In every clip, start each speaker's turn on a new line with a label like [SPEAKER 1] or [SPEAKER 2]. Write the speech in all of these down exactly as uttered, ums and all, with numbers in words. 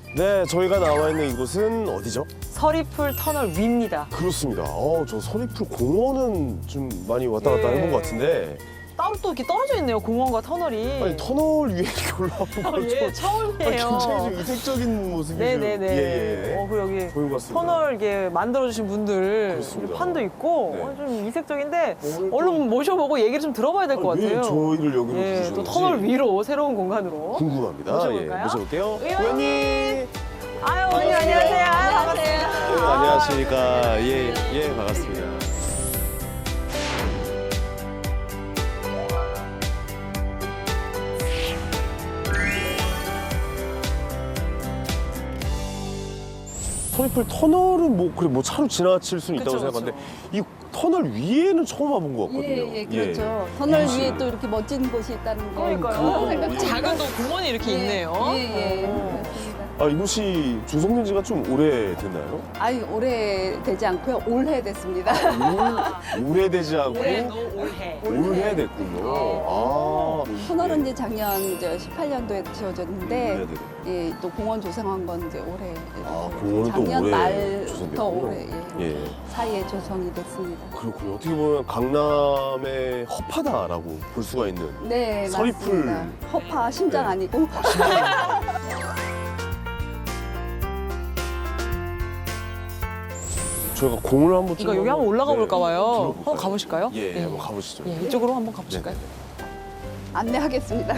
[SPEAKER 1] 네, 저희가 나와 있는 이곳은 어디죠?
[SPEAKER 2] 서리풀 터널 위입니다.
[SPEAKER 1] 그렇습니다. 어, 저 서리풀 공원은 좀 많이 왔다 갔다
[SPEAKER 2] 예.
[SPEAKER 1] 해본 것 같은데
[SPEAKER 2] 따로 또 이렇게 떨어져 있네요, 공원과 터널이.
[SPEAKER 1] 아니 터널 위에 이렇게 올라오는
[SPEAKER 2] 아,
[SPEAKER 1] 건
[SPEAKER 2] 예,
[SPEAKER 1] 좀 아니,
[SPEAKER 2] 처음이에요.
[SPEAKER 1] 굉장히 좀 이색적인 모습이
[SPEAKER 2] 네네네.
[SPEAKER 1] 좀 예, 예.
[SPEAKER 2] 어, 그리고 여기
[SPEAKER 1] 보인 것 같습니다.
[SPEAKER 2] 터널 이게 만들어주신 분들
[SPEAKER 1] 그렇습니다.
[SPEAKER 2] 이렇게 판도 있고
[SPEAKER 1] 네.
[SPEAKER 2] 어, 좀 이색적인데
[SPEAKER 1] 오늘 또-
[SPEAKER 2] 얼른 모셔보고 얘기를 좀 들어봐야 될 것
[SPEAKER 1] 아니, 왜
[SPEAKER 2] 같아요.
[SPEAKER 1] 저희를 여기로
[SPEAKER 2] 예,
[SPEAKER 1] 부르셨는지
[SPEAKER 2] 또 터널 위로 새로운 공간으로.
[SPEAKER 1] 궁금합니다.
[SPEAKER 2] 모셔볼까요?
[SPEAKER 1] 예, 모셔볼게요.
[SPEAKER 2] 의원님!
[SPEAKER 1] 의원님!
[SPEAKER 2] 아유, 어머니 안녕하세요. 아유,
[SPEAKER 3] 안녕하세요.
[SPEAKER 2] 반갑습니다.
[SPEAKER 1] 네, 안녕하십니까. 예, 예, 반갑습니다. 서리풀 터널은 뭐 그래 뭐 차로 지나칠 수는 있다고
[SPEAKER 2] 그쵸,
[SPEAKER 1] 생각하는데 이 터널 위에는 처음 와본 것 같거든요.
[SPEAKER 3] 예, 예, 그렇죠. 터널
[SPEAKER 1] 예.
[SPEAKER 3] 위에 또 이렇게 멋진 곳이 있다는 거.
[SPEAKER 2] 그러니까요.
[SPEAKER 3] 생각합니다.
[SPEAKER 2] 작은 또 공원이 이렇게 있네요.
[SPEAKER 3] 예, 예.
[SPEAKER 2] 어.
[SPEAKER 3] 그렇습니다.
[SPEAKER 1] 아 이곳이 조성된 지가 좀 오래됐나요?
[SPEAKER 3] 아니, 오래되지 않고요. 올해 됐습니다.
[SPEAKER 1] 오, 오래되지 않고
[SPEAKER 2] 올해도 올해.
[SPEAKER 1] 올해 됐군요. 아,
[SPEAKER 3] 터널은 이제 작년 이제 십팔 년도에 지어졌는데,
[SPEAKER 1] 네네.
[SPEAKER 3] 예, 또 공원 조성한 건 이제 올해.
[SPEAKER 1] 아, 공원은 또
[SPEAKER 3] 작년
[SPEAKER 1] 올해
[SPEAKER 3] 말부터
[SPEAKER 1] 조성됐군요.
[SPEAKER 3] 올해 예,
[SPEAKER 1] 예.
[SPEAKER 3] 사이에 조성이 됐습니다.
[SPEAKER 1] 그렇군요. 어떻게 보면 강남의 허파다라고 볼 수가 있는.
[SPEAKER 3] 네,
[SPEAKER 1] 서리풀.
[SPEAKER 3] 맞습니다. 허파 심장
[SPEAKER 1] 네.
[SPEAKER 3] 아니고.
[SPEAKER 1] 저희가 공을 한번 좀
[SPEAKER 2] 그러니까 여기 한번 올라가
[SPEAKER 1] 네,
[SPEAKER 2] 볼까 봐요.
[SPEAKER 1] 들어볼까요?
[SPEAKER 2] 한번 가보실까요?
[SPEAKER 1] 예,
[SPEAKER 2] 예.
[SPEAKER 1] 한번 가보시죠.
[SPEAKER 2] 예, 이쪽으로 한번 가보실까요?
[SPEAKER 1] 네.
[SPEAKER 3] 안내하겠습니다.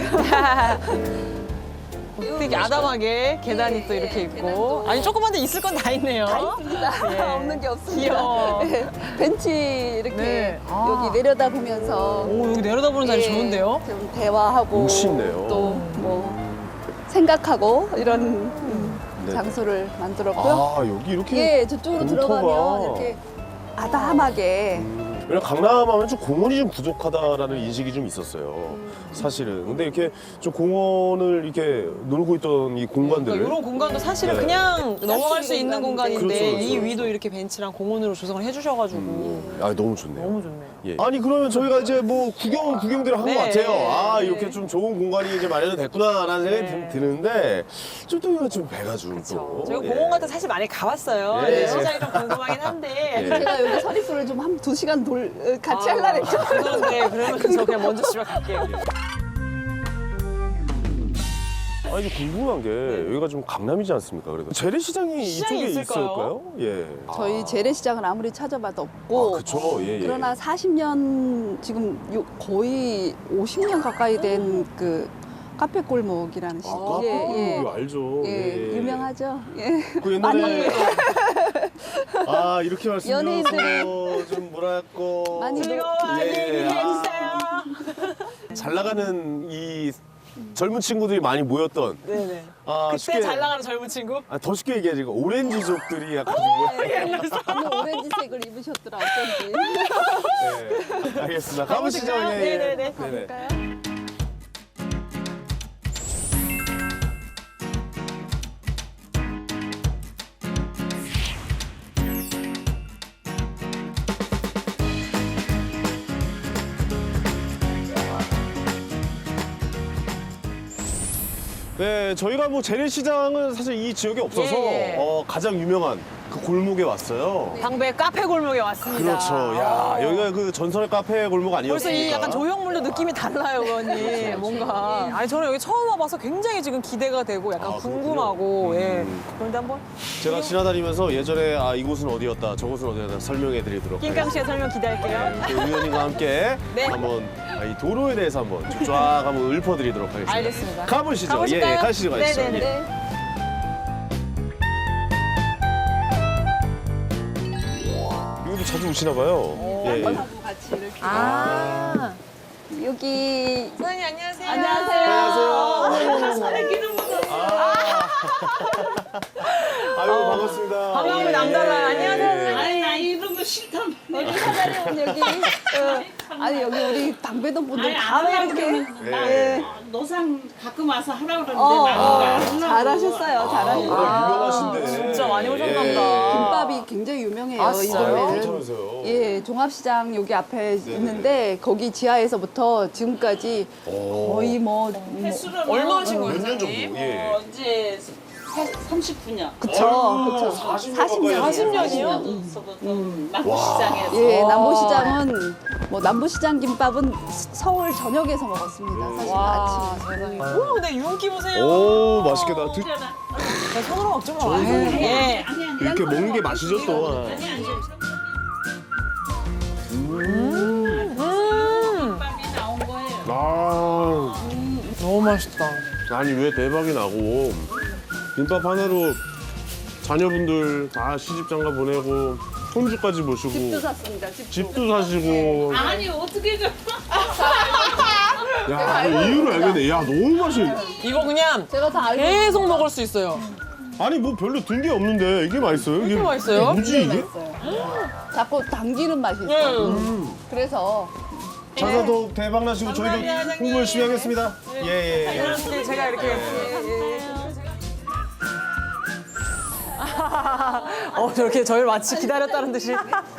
[SPEAKER 2] 되게 아담하게 계단이
[SPEAKER 3] 예,
[SPEAKER 2] 또 이렇게
[SPEAKER 3] 예,
[SPEAKER 2] 있고.
[SPEAKER 3] 계단도.
[SPEAKER 2] 아니, 조그만 데 있을 건 다 있네요.
[SPEAKER 3] 있습니다.
[SPEAKER 2] 예.
[SPEAKER 3] 없는 게 없습니다.
[SPEAKER 2] 귀여워.
[SPEAKER 3] 네, 벤치 이렇게
[SPEAKER 2] 네. 아.
[SPEAKER 3] 여기 내려다 보면서
[SPEAKER 2] 오, 여기 내려다보는 자리
[SPEAKER 3] 예,
[SPEAKER 2] 좋은데요?
[SPEAKER 3] 좀 대화하고
[SPEAKER 1] 멋있네요.
[SPEAKER 3] 또 뭐 생각하고 이런 음,
[SPEAKER 1] 네.
[SPEAKER 3] 장소를 만들었고요.
[SPEAKER 1] 아 여기 이렇게
[SPEAKER 3] 예, 저쪽으로
[SPEAKER 1] 공터가.
[SPEAKER 3] 들어가면 이렇게 아담하게
[SPEAKER 1] 음, 왜냐면 강남하면 좀 공원이 좀 부족하다라는 인식이 좀 있었어요. 사실은. 근데 이렇게 좀 공원을 이렇게 놀고 있던 이 공간들을
[SPEAKER 2] 그러니까 이런 공간도 사실은
[SPEAKER 1] 네.
[SPEAKER 2] 그냥 넘어갈 수 있는
[SPEAKER 3] 공간인데.
[SPEAKER 2] 공간인데
[SPEAKER 1] 그렇죠, 그렇죠,
[SPEAKER 2] 이
[SPEAKER 1] 그렇죠.
[SPEAKER 2] 위도 이렇게 벤치랑 공원으로 조성을 해주셔가지고
[SPEAKER 1] 음, 아 너무 좋네요.
[SPEAKER 2] 너무 좋네요.
[SPEAKER 1] 예. 아니 그러면 저희가 이제 뭐 구경 구경들을 한 것
[SPEAKER 2] 네.
[SPEAKER 1] 같아요. 아
[SPEAKER 2] 네.
[SPEAKER 1] 이렇게 좀 좋은 공간이 이제 마련이 됐구나라는 생각이
[SPEAKER 2] 네.
[SPEAKER 1] 드- 드는데 좀 또 이거 좀 배가 좀
[SPEAKER 2] 그렇죠.
[SPEAKER 1] 또.
[SPEAKER 2] 저희가
[SPEAKER 1] 예.
[SPEAKER 2] 공원 같은 사실 많이 가봤어요.
[SPEAKER 1] 예.
[SPEAKER 2] 네, 시장이 좀 궁금하긴 한데.
[SPEAKER 1] 예.
[SPEAKER 3] 제가 여기 서리풀을 좀 한 두 시간 돌 어, 같이 할라 했죠.
[SPEAKER 2] 그런데 그러면 저 그냥 먼저 집에 갈게요.
[SPEAKER 1] 아니 이제 궁금한 게 여기가 좀 강남이지 않습니까? 그래도 재래시장이
[SPEAKER 2] 시장이
[SPEAKER 1] 이쪽에
[SPEAKER 2] 있을까요?
[SPEAKER 1] 있을까요? 예.
[SPEAKER 3] 저희 재래시장은 아무리 찾아봐도 없고
[SPEAKER 1] 아, 그쵸. 예, 예.
[SPEAKER 3] 그러나 사십 년 지금 요- 거의 오십 년 가까이 된 그 카페 골목이라는 시
[SPEAKER 1] 아,
[SPEAKER 3] 예, 예.
[SPEAKER 1] 이거 알죠.
[SPEAKER 3] 예,
[SPEAKER 1] 예.
[SPEAKER 3] 유명하죠. 예.
[SPEAKER 1] 그 옛날에 아 이렇게 말씀드려서 좀 뭐랄까
[SPEAKER 3] 많이
[SPEAKER 2] 즐거워
[SPEAKER 1] 예,
[SPEAKER 2] 얘기해
[SPEAKER 1] 아.
[SPEAKER 2] 주세요.
[SPEAKER 1] 잘 나가는 이 젊은 친구들이 많이 모였던
[SPEAKER 2] 네네.
[SPEAKER 1] 아,
[SPEAKER 2] 그때
[SPEAKER 1] 쉽게
[SPEAKER 2] 잘 나가는 젊은 친구?
[SPEAKER 1] 아, 더 쉽게 얘기하자면 오렌지족들이 약간 좀 모여.
[SPEAKER 3] 너무 오렌지색을 입으셨더라 어쩐지.
[SPEAKER 1] 네, 알겠습니다. 가보시죠.
[SPEAKER 2] 가보실까요?
[SPEAKER 1] 예, 예.
[SPEAKER 2] 네네네.
[SPEAKER 3] 가볼까요?
[SPEAKER 1] 네, 저희가 뭐 재래시장은 사실 이 지역에 없어서
[SPEAKER 2] 예, 예.
[SPEAKER 1] 어, 가장 유명한 그 골목에 왔어요.
[SPEAKER 2] 방배 카페 골목에 왔습니다.
[SPEAKER 1] 그렇죠. 야, 여기가 그 전설의 카페 골목 아니었습니까?
[SPEAKER 2] 벌써 이 약간 조형물도 느낌이 달라요, 의원님. 뭔가. 아니, 저는 여기 처음 와봐서 굉장히 지금 기대가 되고 약간
[SPEAKER 1] 아, 그렇군요.
[SPEAKER 2] 궁금하고, 예.
[SPEAKER 1] 음.
[SPEAKER 2] 그런데 한번
[SPEAKER 1] 제가 지나다니면서 예전에 아 이곳은 어디였다, 저곳은 어디였다 설명해 드리도록
[SPEAKER 2] 낑깡 씨의 설명 기대할게요.
[SPEAKER 1] 네, 그 의원님과 함께
[SPEAKER 2] 네.
[SPEAKER 1] 한번 아, 이 도로에 대해서 한번 쫙 한번 읊어드리도록 하겠습니다.
[SPEAKER 2] 알겠습니다.
[SPEAKER 1] 가보시죠.
[SPEAKER 2] 가보실까요?
[SPEAKER 1] 예, 예, 가시죠, 가시죠.
[SPEAKER 2] 네네네.
[SPEAKER 1] 예.
[SPEAKER 3] 네.
[SPEAKER 1] 여기도 자주 오시나 봐요. 예, 예.
[SPEAKER 3] 하고 같이 이렇게.
[SPEAKER 2] 아.
[SPEAKER 3] 여기
[SPEAKER 2] 사장님, 안녕하세요.
[SPEAKER 3] 안녕하세요.
[SPEAKER 1] 안녕하세요. 아유, 반갑습니다.
[SPEAKER 2] 반가움이
[SPEAKER 1] 예,
[SPEAKER 2] 남달라요.
[SPEAKER 1] 예,
[SPEAKER 2] 안녕하세요.
[SPEAKER 1] 예.
[SPEAKER 4] 아니 나 이런 거 싫다.
[SPEAKER 3] 여기 사장님 여기 어, 아니 여기 우리 방배동 분들
[SPEAKER 4] 아니
[SPEAKER 3] 다
[SPEAKER 4] 안
[SPEAKER 3] 이렇게
[SPEAKER 4] 하려고 나
[SPEAKER 1] 네.
[SPEAKER 4] 어, 노상 가끔 와서 하라고 그러는데
[SPEAKER 3] 어,
[SPEAKER 4] 나는
[SPEAKER 3] 어,
[SPEAKER 4] 안 하려고.
[SPEAKER 3] 잘하셨어요. 잘하셨어요.
[SPEAKER 1] 아, 유명하신데.
[SPEAKER 2] 진짜 많이 오셨나
[SPEAKER 1] 예.
[SPEAKER 2] 보다.
[SPEAKER 3] 김밥이 굉장히 유명해요.
[SPEAKER 2] 아,
[SPEAKER 3] 이
[SPEAKER 2] 진짜요?
[SPEAKER 3] 동네는.
[SPEAKER 1] 괜찮으세요?
[SPEAKER 3] 예, 종합시장 여기 앞에 있는데 거기 지하에서부터 지금까지
[SPEAKER 1] 오.
[SPEAKER 3] 거의 뭐, 뭐
[SPEAKER 4] 횟수로는
[SPEAKER 2] 얼마 하신 거예요,
[SPEAKER 1] 몇 년 정도?
[SPEAKER 2] 사장님?
[SPEAKER 1] 예.
[SPEAKER 4] 어, 이제 삼십구 년.
[SPEAKER 3] 그쵸, 그쵸.
[SPEAKER 1] 사십 년
[SPEAKER 3] 사십 년.
[SPEAKER 2] 사십 년이요?
[SPEAKER 4] 남부시장에서.
[SPEAKER 3] 예, 남부시장은 뭐 남부시장 김밥은 서울 저녁에서 먹었습니다. 사실
[SPEAKER 2] 와,
[SPEAKER 3] 아침.
[SPEAKER 2] 세상에. 오, 근데 윤기 보세요.
[SPEAKER 1] 오, 맛있겠다. 드-
[SPEAKER 2] 자, 손으로 먹지 마. 예.
[SPEAKER 1] 이렇게 먹는 게 맛이죠, 또.
[SPEAKER 2] 음.
[SPEAKER 4] 김밥이 나온 거예요.
[SPEAKER 1] 아,
[SPEAKER 2] 너무 맛있다.
[SPEAKER 1] 아니, 왜 대박이 나고, 김밥 하나로 자녀분들 다 시집장가 보내고, 손주까지 모시고,
[SPEAKER 3] 집도 샀습니다. 집도.
[SPEAKER 1] 집도 사시고.
[SPEAKER 4] 아니 어떻게 그
[SPEAKER 1] 야, 이유를 알겠네. 야, 너무 맛있.
[SPEAKER 2] 이거 그냥
[SPEAKER 3] 제가 다 알고
[SPEAKER 2] 계속 먹을 수 있어요.
[SPEAKER 1] 아니, 뭐 별로 든 게 없는데, 이게 맛있어요? 이게
[SPEAKER 2] 맛있어요?
[SPEAKER 1] 뭐지, 이게?
[SPEAKER 3] 있어요. 자꾸 당기는 맛이 있어요.
[SPEAKER 2] 음.
[SPEAKER 3] 그래서
[SPEAKER 1] 장사 더 대박 나시고 저희도
[SPEAKER 2] 감사합니다,
[SPEAKER 1] 홍보 열심히 하겠습니다. 예, 예, 예.
[SPEAKER 2] 이렇게 제가 이렇게. 어, 저렇게 저를 마치 기다렸다는 듯이.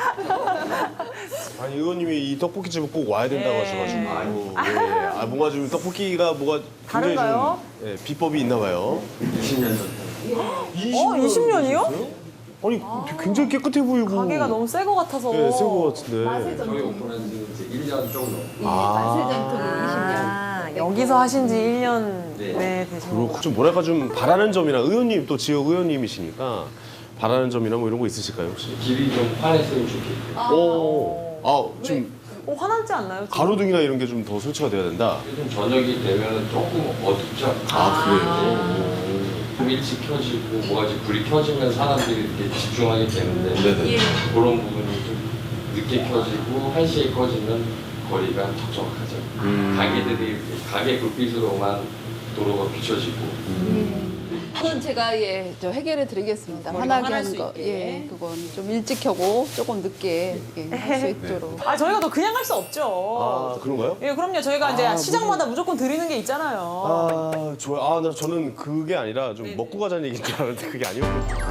[SPEAKER 1] 아니 의원님이 이 떡볶이집을 꼭 와야 된다고
[SPEAKER 2] 예.
[SPEAKER 1] 하셔가지고 예, 예. 아 뭔가 좀 떡볶이가 뭐가 굉장히
[SPEAKER 2] 다른가요?
[SPEAKER 1] 좀 예, 비법이 있나 봐요. 이십 년 전.
[SPEAKER 2] 어, 이십 년이요?
[SPEAKER 1] 아니 굉장히 깨끗해 보이고.
[SPEAKER 2] 가게가 너무 새 거 같아서.
[SPEAKER 1] 네, 새거 같은데.
[SPEAKER 5] 저희 오픈한 지 이제 일 년 좀 넘.
[SPEAKER 3] 이 맛의 전통이 이십 년.
[SPEAKER 2] 아, 여기서 하신 지 일 년
[SPEAKER 5] 네.
[SPEAKER 2] 네, 되신 거.
[SPEAKER 1] 그렇고 좀 뭐랄까 좀 바라는 점이나 의원님 또 지역 의원님이시니까 바라는 점이나 뭐 이런 거 있으실까요 혹시?
[SPEAKER 5] 길이 좀 환했으면 좋겠고.
[SPEAKER 1] 오. 아 지금
[SPEAKER 2] 어, 화나지 않나요? 지금?
[SPEAKER 1] 가로등이나 이런 게 좀 더 설치가 돼야 된다.
[SPEAKER 5] 요즘 저녁이 되면 조금 어둡죠.
[SPEAKER 1] 아 그래요.
[SPEAKER 5] 좀 일찍 켜지고 뭐가지 불이 켜지면 사람들이 이렇게 집중하게 되는데
[SPEAKER 1] 네네.
[SPEAKER 5] 그런 부분이 좀 늦게 켜지고 한 시에 꺼지면 거리가 촉촉하죠.
[SPEAKER 1] 음.
[SPEAKER 5] 가게들이 이렇게 가게 불빛으로만 도로가 비춰지고.
[SPEAKER 3] 그건 제가 예, 저 해결해 드리겠습니다.
[SPEAKER 2] 머리가
[SPEAKER 3] 환하게
[SPEAKER 2] 환할
[SPEAKER 3] 하는
[SPEAKER 2] 수
[SPEAKER 3] 거.
[SPEAKER 2] 있게.
[SPEAKER 3] 예, 그건 좀 일찍 켜고 조금 늦게 예, 할 수 있도록.
[SPEAKER 2] 아, 저희가 또 그냥 할 수 없죠.
[SPEAKER 1] 아 그런가요?
[SPEAKER 2] 예, 그럼요. 저희가 이제 시장마다 무조건 드리는 게 있잖아요.
[SPEAKER 1] 아, 좋아요. 아, 나 저는 그게 아니라 좀 먹고 가자는 얘기인 줄 알았는데 그게 아니었거든요.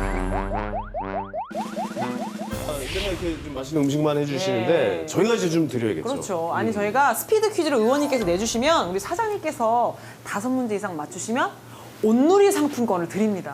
[SPEAKER 1] 아, 맨날 이렇게 좀 맛있는 음식만 해주시는데
[SPEAKER 2] 네.
[SPEAKER 1] 저희가 이제 좀 드려야겠죠.
[SPEAKER 2] 그렇죠. 아니 저희가 스피드 퀴즈를 의원님께서 내주시면 우리 사장님께서 다섯 문제 이상 맞추시면 온누리 상품권을 드립니다.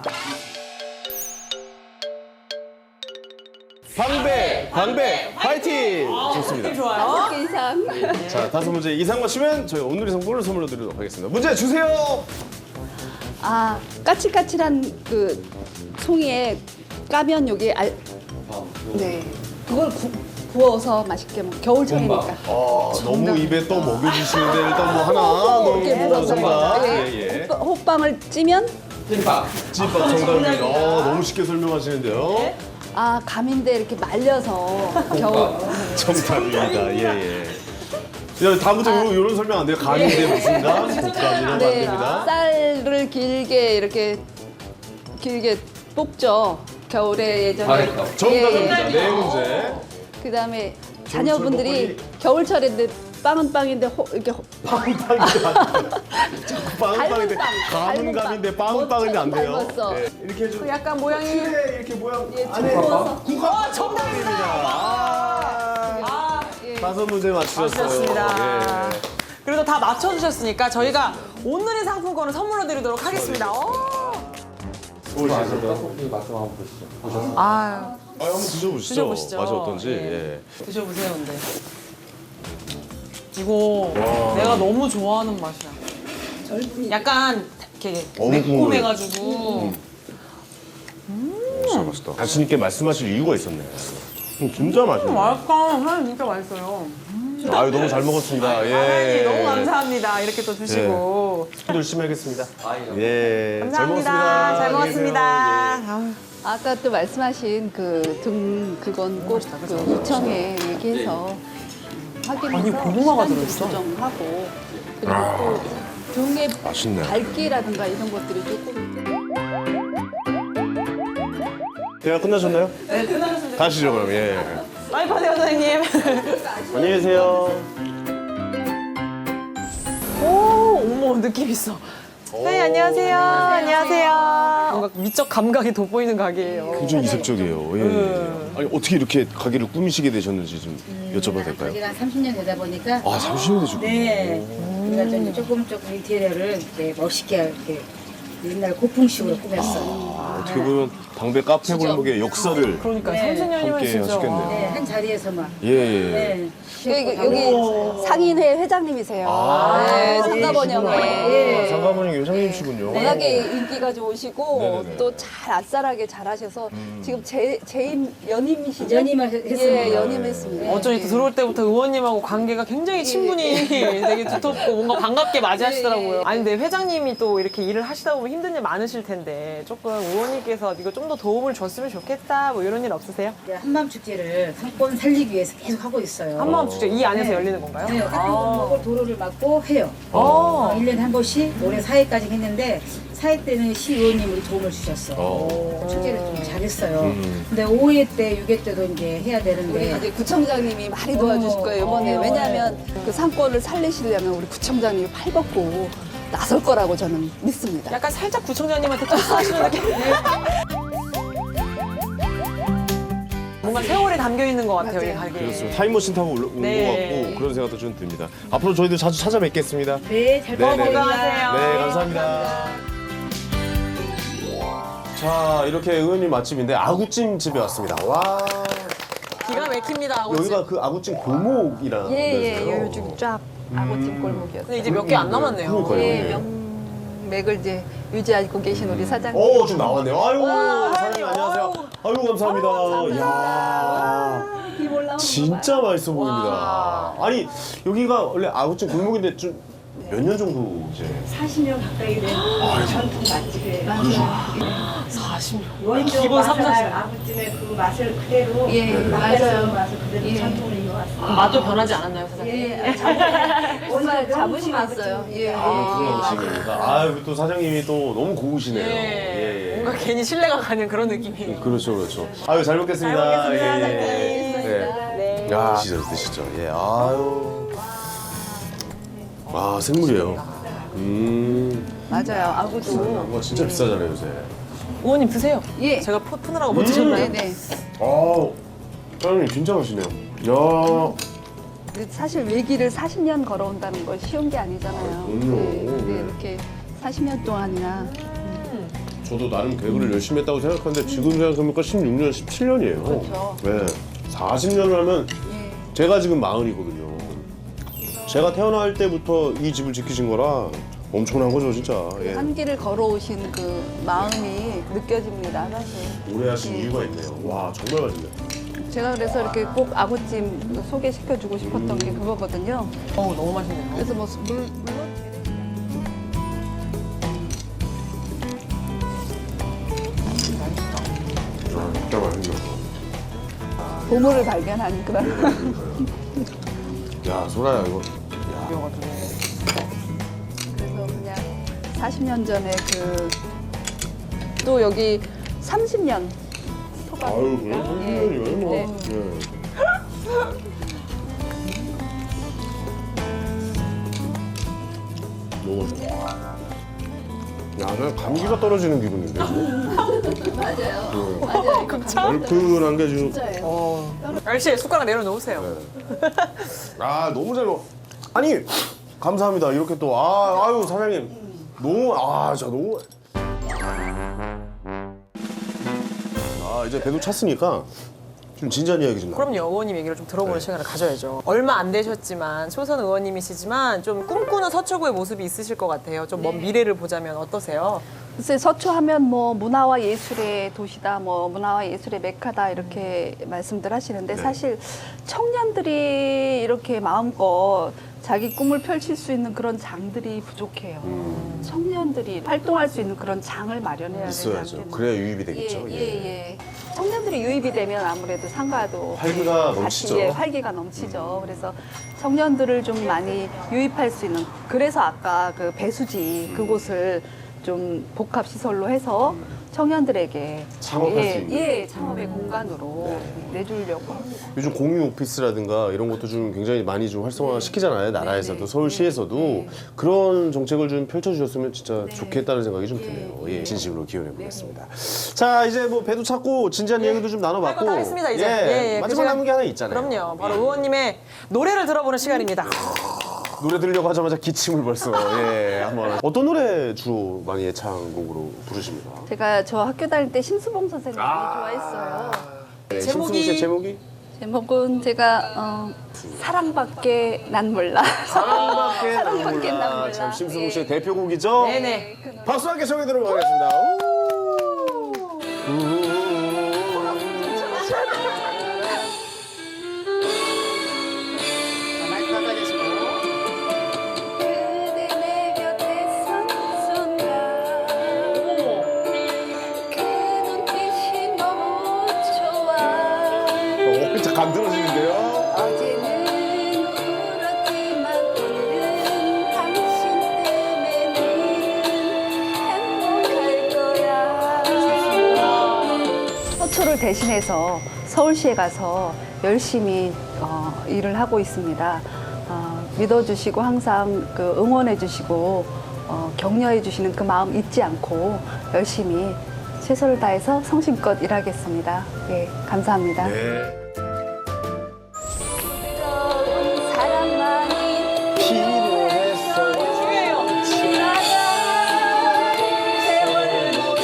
[SPEAKER 1] 방배, 방배, 파이팅! 좋습니다.
[SPEAKER 2] 좋아요.
[SPEAKER 3] 개 이상.
[SPEAKER 1] 자, 다섯 문제 이상 맞추면 저희 오늘의 상품을 선물로 드리도록 하겠습니다. 문제 주세요!
[SPEAKER 3] 아, 까칠까칠한 그 송이에 까면 여기 알. 네. 그걸 구, 구워서 맛있게 먹. 겨울철이니까.
[SPEAKER 1] 아, 너무 입에 떠 먹여주시는데 일단 뭐 하나
[SPEAKER 3] 이렇게
[SPEAKER 1] 너무
[SPEAKER 3] 물어서
[SPEAKER 1] 정답.
[SPEAKER 3] 예,
[SPEAKER 1] 예, 예.
[SPEAKER 3] 호빵- 호빵을 찌면
[SPEAKER 5] 찐밥.
[SPEAKER 1] 찐밥 정답입니다. 어, 너무 쉽게 설명하시는데요.
[SPEAKER 3] 아 감인데 이렇게 말려서 겨울.
[SPEAKER 1] 정답입니다. 예, 예. 야, 다음부터 요 이런 설명 안 돼요. 감인데 무슨가? 곶감이나 안
[SPEAKER 3] 네,
[SPEAKER 1] 됩니다.
[SPEAKER 3] 쌀을 길게 이렇게 길게 뽑죠. 겨울에 예전에.
[SPEAKER 5] 잘했다.
[SPEAKER 1] 정답입니다. 네 문제.
[SPEAKER 3] 그다음에 자녀분들이 겨울철인데 빵은 빵인데 호, 이렇게 호-
[SPEAKER 1] 빵빵인데 빵빵인데
[SPEAKER 3] 닮은 빵,
[SPEAKER 1] 감은
[SPEAKER 3] 닮은
[SPEAKER 1] 감인데
[SPEAKER 3] 빵.
[SPEAKER 1] 빵빵인데 안 돼요.
[SPEAKER 3] 닮았어.
[SPEAKER 1] 네, 이렇게 해줘.
[SPEAKER 2] 그 약간 모양이
[SPEAKER 1] 틀에 이렇게 모양
[SPEAKER 3] 예,
[SPEAKER 1] 안에
[SPEAKER 3] 구워서.
[SPEAKER 1] 국화 정답입니다. 아, 다섯 문제 맞추셨어요.
[SPEAKER 2] 맞추셨습니다.
[SPEAKER 1] 예.
[SPEAKER 2] 그래도 다 맞춰주셨으니까 저희가 온누리 상품권을 선물로 드리도록 하겠습니다. 어.
[SPEAKER 5] 아시죠? 떡볶이 맛 좀 한번 보시죠. 보셨어요?
[SPEAKER 2] 아유,
[SPEAKER 1] 아, 한번 드셔보시죠.
[SPEAKER 2] 드셔보시죠.
[SPEAKER 1] 맛이 어떤지.
[SPEAKER 2] 예.
[SPEAKER 1] 예.
[SPEAKER 2] 드셔보세요, 근데. 이거 내가 너무 좋아하는 맛이야. 약간 이렇게
[SPEAKER 1] 어묵 국물.
[SPEAKER 2] 매콤해가지고.
[SPEAKER 1] 진짜 맛있다. 자신 있게 말씀하실 이유가 있었네요. 음, 진짜 맛있네.
[SPEAKER 2] 맛있다. 사장님 진짜 맛있어요.
[SPEAKER 1] 아유 너무 잘 먹었습니다. 예.
[SPEAKER 2] 사장님 너무 감사합니다. 이렇게 또 주시고.
[SPEAKER 1] 열심히 하겠습니다.
[SPEAKER 5] 아이고.
[SPEAKER 1] 예.
[SPEAKER 2] 감사합니다.
[SPEAKER 1] 잘
[SPEAKER 2] 잘
[SPEAKER 1] 먹었습니다.
[SPEAKER 2] 먹었습니다. 아유.
[SPEAKER 3] 아까 또 말씀하신 그 등 그건 꼭 그 구청에 얘기해서 확인해서
[SPEAKER 2] 아니, 고구마가
[SPEAKER 3] 시간도
[SPEAKER 2] 들어있어.
[SPEAKER 3] 조정하고 그리고 또 등의
[SPEAKER 1] 맛있네.
[SPEAKER 3] 밝기라든가 이런 것들이 조금
[SPEAKER 1] 대화 끝나셨나요?
[SPEAKER 2] 네, 끝나셨습니다.
[SPEAKER 1] 가시죠 그럼. 예.
[SPEAKER 2] 많이 파세요, 선생님.
[SPEAKER 1] 안녕히 계세요.
[SPEAKER 2] 오, 어머, 느낌 있어. 선생님, 안녕하세요. 안녕하세요. 뭔가 미적 감각이 돋보이는 가게예요.
[SPEAKER 1] 굉장히 이색적이에요. 예.
[SPEAKER 2] 네.
[SPEAKER 1] 아니 어떻게 이렇게 가게를 꾸미시게 되셨는지 좀 여쭤봐도 될까요?
[SPEAKER 6] 저희가 삼십 년 되다 보니까
[SPEAKER 1] 아 삼십 년 되셨군요.
[SPEAKER 6] 네 우리가 좀 조금 조금 인테리어를 이렇게 멋있게 이렇게 옛날 고풍식으로 꾸몄어요.
[SPEAKER 1] 아, 어떻게 보면 당배 카페 골목의 역사를
[SPEAKER 2] 그러니까
[SPEAKER 6] 네.
[SPEAKER 2] 삼십 년이면
[SPEAKER 1] 함께
[SPEAKER 2] 진짜.
[SPEAKER 1] 하시겠네요.
[SPEAKER 6] 네, 한 자리에서만.
[SPEAKER 1] 예, 예.
[SPEAKER 6] 네.
[SPEAKER 3] 여기, 여기 상인회 회장님이세요. 네, 상가번영회.
[SPEAKER 1] 아, 상가번영 회장님이시군요.
[SPEAKER 3] 워낙에 인기가 좋으시고
[SPEAKER 1] 네네네.
[SPEAKER 3] 또 잘 아싸라게 잘하셔서 지금 재, 재임 연임이시죠?
[SPEAKER 6] 연임을 했습니다.
[SPEAKER 3] 예, 연임했습니다.
[SPEAKER 2] 어쩐지 또 들어올 때부터 의원님하고 관계가 굉장히 친분이 되게 두텁고 뭔가 반갑게 맞이하시더라고요. 아니 근데 회장님이 또 이렇게 일을 하시다 보면 힘든 일 많으실 텐데 조금 의원님께서 이거 좀 더 도움을 줬으면 좋겠다 뭐 이런 일 없으세요?
[SPEAKER 6] 이제 한마음 축제를 상권 살리기 위해서 계속 하고 있어요.
[SPEAKER 2] 한마음 축제 이 안에서
[SPEAKER 6] 네.
[SPEAKER 2] 열리는 건가요?
[SPEAKER 6] 네, 카페골목을 도로를 막고 해요.
[SPEAKER 2] 아.
[SPEAKER 6] 어, 일 년에 한 번씩 올해 사 회까지 했는데 사 회 때는 시의원님이 도움을 주셨어.
[SPEAKER 1] 어.
[SPEAKER 6] 축제를 좀 잘했어요.
[SPEAKER 1] 음.
[SPEAKER 6] 근데 오 회 때, 육 회 때도 이제 해야 되는데
[SPEAKER 3] 이제 구청장님이 많이 도와주실 거예요 이번에.
[SPEAKER 6] 어.
[SPEAKER 3] 왜냐하면 그 상권을 살리시려면 우리 구청장님이 팔벗고 나설 거라고 저는 믿습니다.
[SPEAKER 2] 약간 살짝 구청장님한테 토스하시는 느낌. 뭔가 세월이 담겨 있는 것 같아요 이
[SPEAKER 3] 맞아요.
[SPEAKER 2] 가게에.
[SPEAKER 1] 그렇습니다. 타임머신 타고 올- 온
[SPEAKER 2] 네.
[SPEAKER 1] 것 같고 그런 생각도 좀 듭니다. 앞으로 저희도 자주 찾아뵙겠습니다.
[SPEAKER 6] 네, 잘
[SPEAKER 1] 네, 네.
[SPEAKER 6] 부탁드립니다.
[SPEAKER 1] 네, 감사합니다. 자, 이렇게 의원님 맛집인데 아구찜 집에 왔습니다. 와,
[SPEAKER 2] 기가 막힙니다. 아버지.
[SPEAKER 1] 여기가 그 아구찜 골목이라는
[SPEAKER 3] 예예,
[SPEAKER 1] 데서요.
[SPEAKER 3] 요즘 쫙 아구찜 골목이었어요.
[SPEAKER 2] 근데 이제 몇 개 안 남았네요.
[SPEAKER 1] 그러니까요.
[SPEAKER 3] 예,
[SPEAKER 1] 네.
[SPEAKER 3] 명맥을 이제 유지하고 계신 우리 사장님.
[SPEAKER 1] 오, 좀 나왔네요. 아유,
[SPEAKER 2] 와,
[SPEAKER 1] 사장님 안녕하세요. 아유, 감사합니다. 이야,
[SPEAKER 3] 입 올라오는
[SPEAKER 1] 진짜 맛있어 보입니다. 아니, 여기가 원래 아구찜 골목인데 좀 몇 년 정도 이제
[SPEAKER 7] 사십 년 가까이 된 전통 맛집이에요.
[SPEAKER 2] 사십 년.
[SPEAKER 7] 원조
[SPEAKER 2] 기본 삼,
[SPEAKER 7] 맛을
[SPEAKER 2] 사십.
[SPEAKER 7] 아버님의 그 맛을 그대로
[SPEAKER 3] 예,
[SPEAKER 7] 맞아요.
[SPEAKER 3] 맞아요.
[SPEAKER 7] 맛을 그대로
[SPEAKER 3] 예.
[SPEAKER 7] 전통을 이어왔어요.
[SPEAKER 2] 맛도 변하지 않았나요 사장님?
[SPEAKER 3] 예, 자부- 정말 자부심 있어요. 예.
[SPEAKER 1] 아, 음식입니다. 아유, 또 사장님이 또 너무 고우시네요.
[SPEAKER 2] 예.
[SPEAKER 1] 예, 예.
[SPEAKER 2] 뭔가 괜히 신뢰가 가는 그런 느낌이.
[SPEAKER 1] 그렇죠, 그렇죠. 아유, 잘 먹겠습니다.
[SPEAKER 2] 잘 먹겠습니다,
[SPEAKER 1] 예,
[SPEAKER 2] 사장님.
[SPEAKER 1] 예.
[SPEAKER 2] 네.
[SPEAKER 1] 야, 드시죠, 드시죠. 예, 아유. 아, 생물이에요. 음.
[SPEAKER 3] 맞아요. 아구도.
[SPEAKER 1] 와, 진짜 비싸잖아요, 요새.
[SPEAKER 2] 의원님 드세요.
[SPEAKER 3] 예.
[SPEAKER 2] 제가 포 푸느라고 못 드셨나요?
[SPEAKER 3] 네네.
[SPEAKER 1] 아우, 사장님 진짜 맛있네요. 야,
[SPEAKER 3] 근데 사실 외길을 사십 년 걸어온다는 건 쉬운 게 아니잖아요.
[SPEAKER 1] 그럼요.
[SPEAKER 3] 네, 근데
[SPEAKER 1] 네.
[SPEAKER 3] 이렇게 사십 년 동안이나
[SPEAKER 1] 저도 나름 개그를 열심히 했다고 생각하는데 지금 생각해보니까 십육 년, 십칠 년이에요.
[SPEAKER 3] 그렇죠.
[SPEAKER 1] 네. 사십 년을 하면
[SPEAKER 3] 예.
[SPEAKER 1] 제가 지금 마흔이거든요. 제가 태어날 때부터 이 집을 지키신 거라 엄청난 거죠, 진짜. 예.
[SPEAKER 3] 한 길을 걸어오신 그 마음이 느껴집니다, 사실.
[SPEAKER 1] 오래 하신
[SPEAKER 3] 예.
[SPEAKER 1] 이유가 있네요. 와, 정말 맛있네요.
[SPEAKER 3] 제가 그래서 이렇게 꼭 아구찜 소개시켜주고 싶었던 게 그거거든요.
[SPEAKER 2] 어우 너무 맛있네요.
[SPEAKER 3] 그래서 뭐 물, 물론
[SPEAKER 1] 아, 진짜 맛있네요.
[SPEAKER 3] 보물을 발견한 그런.
[SPEAKER 1] 야, 소라야, 이거.
[SPEAKER 3] 그래서 그냥 사십 년 전에 그 또 여기 삼십 년 토박.
[SPEAKER 1] 아유, 그냥 삼십 년이면 뭐.
[SPEAKER 3] 네.
[SPEAKER 1] 예. 너무 맛있어. 야, 그냥 감기가 떨어지는 기분인데.
[SPEAKER 3] 맞아요. 맞아요.
[SPEAKER 1] 얼큰한 게 지금.
[SPEAKER 2] 알씨 숟가락 내려놓으세요.
[SPEAKER 1] 네. 아, 너무 잘 먹. 아니, 감사합니다. 이렇게 또, 아, 아유, 사장님. 너무, 아, 진짜 너무. 아, 이제 배도 찼으니까 좀 진지한 이야기 좀 나.
[SPEAKER 2] 그럼요. 의원님 얘기를 좀 들어보는
[SPEAKER 1] 네.
[SPEAKER 2] 시간을 가져야죠. 얼마 안 되셨지만 초선 의원님이시지만 좀 꿈꾸는 서초구의 모습이 있으실 것 같아요. 좀 먼 미래를 보자면 어떠세요?
[SPEAKER 3] 글쎄 서초하면 뭐 문화와 예술의 도시다, 뭐 문화와 예술의 메카다 이렇게 말씀들 하시는데
[SPEAKER 1] 네.
[SPEAKER 3] 사실 청년들이 이렇게 마음껏 자기 꿈을 펼칠 수 있는 그런 장들이 부족해요.
[SPEAKER 1] 음.
[SPEAKER 3] 청년들이 활동할 수 있는 그런 장을 마련해야 되지
[SPEAKER 1] 있어야죠.
[SPEAKER 3] 않겠나.
[SPEAKER 1] 그래야 유입이 되겠죠.
[SPEAKER 3] 예, 예, 예. 청년들이 유입이 되면 아무래도 상가도
[SPEAKER 1] 활기가
[SPEAKER 3] 같이,
[SPEAKER 1] 넘치죠.
[SPEAKER 3] 예, 활기가 넘치죠. 그래서 청년들을 좀 많이 유입할 수 있는. 그래서 아까 그 배수지 그곳을 좀 복합 시설로 해서 청년들에게
[SPEAKER 1] 창업할
[SPEAKER 3] 예,
[SPEAKER 1] 수 있는.
[SPEAKER 3] 예, 창업의 공간으로 내주려고 합니다.
[SPEAKER 1] 요즘 공유 오피스라든가 이런 것도 좀 굉장히 많이 좀 활성화 시키잖아요. 나라에서도 서울시에서도 그런 정책을 좀 펼쳐주셨으면 진짜 좋겠다는 생각이 좀 드네요. 예, 진심으로 기원해 보겠습니다. 자, 이제 뭐 배도 찾고 진지한 얘기도 좀 나눠봤고.
[SPEAKER 2] 할거 다 했습니다 이제.
[SPEAKER 1] 예,
[SPEAKER 2] 예, 예. 그
[SPEAKER 1] 마지막
[SPEAKER 2] 시간-
[SPEAKER 1] 남은 게 하나 있잖아요.
[SPEAKER 2] 그럼요. 바로 의원님의 노래를 들어보는 시간입니다.
[SPEAKER 1] 노래 들으려고 하자마자 기침을 벌써. 예. 한번 어떤 노래 주로 많이 애창곡으로 부르십니까?
[SPEAKER 3] 제가 저 학교 다닐 때 심수봉 선생님
[SPEAKER 1] 아.
[SPEAKER 3] 좋아했어요.
[SPEAKER 1] 네,
[SPEAKER 2] 제목이-
[SPEAKER 1] 심수봉 씨의 제목이?
[SPEAKER 3] 제목은 제가 어, 사랑밖에 난 몰라.
[SPEAKER 1] 사랑밖에 난
[SPEAKER 3] 사랑밖에 난
[SPEAKER 1] 몰라.
[SPEAKER 3] 몰라.
[SPEAKER 1] 참 심수봉 씨의
[SPEAKER 3] 예.
[SPEAKER 1] 대표곡이죠?
[SPEAKER 2] 네네.
[SPEAKER 1] 박수 함께 청해 들어보겠습니다. 마이크 가까이
[SPEAKER 3] 그대 내 곁에 선 순간 그 눈빛이 너무 좋아.
[SPEAKER 1] 오, 진짜 감 들어지는데요?
[SPEAKER 3] 어제는 울었지만 오늘은 당신 때문에 내일은 행복할 거야. 서초를 대신해서 서울시에 가서 열심히 어, 일을 하고 있습니다. 어, 믿어주시고 항상 그 응원해주시고 어, 격려해주시는 그 마음 잊지 않고 열심히 최선을 다해서 성심껏 일하겠습니다. 예, 감사합니다.
[SPEAKER 1] 네.
[SPEAKER 3] 뜨거운 사랑만이
[SPEAKER 1] 필요했어요.
[SPEAKER 2] 중요해요.
[SPEAKER 3] 지나간 세월을 모두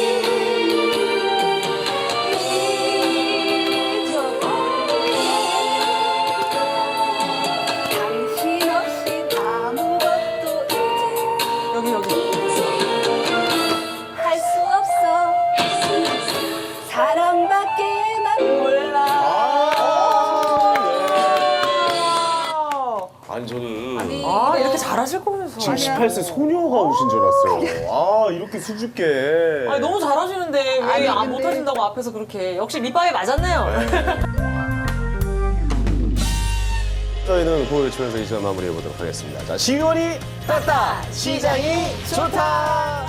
[SPEAKER 3] 잊어버려. 당신 없이 아무것도 이제
[SPEAKER 2] 여기 여기.
[SPEAKER 3] 할 수 없어. 사랑밖에 난 몰라.
[SPEAKER 1] 아니 저는
[SPEAKER 2] 아 이렇게 잘하실 거면서.
[SPEAKER 1] 지금 십팔 세 소녀가 오신 줄 알았어요. 아 이렇게 수줍게.
[SPEAKER 2] 아니 너무 잘하시는데 왜
[SPEAKER 3] 아니,
[SPEAKER 2] 안
[SPEAKER 3] 근데-
[SPEAKER 2] 못하신다고 앞에서 그렇게. 역시 밑밥에 맞았네요.
[SPEAKER 1] 저희는 구호 외치면서 이 시간 마무리해 보도록 하겠습니다. 자, 시원이 땄다, 시장이 좋다.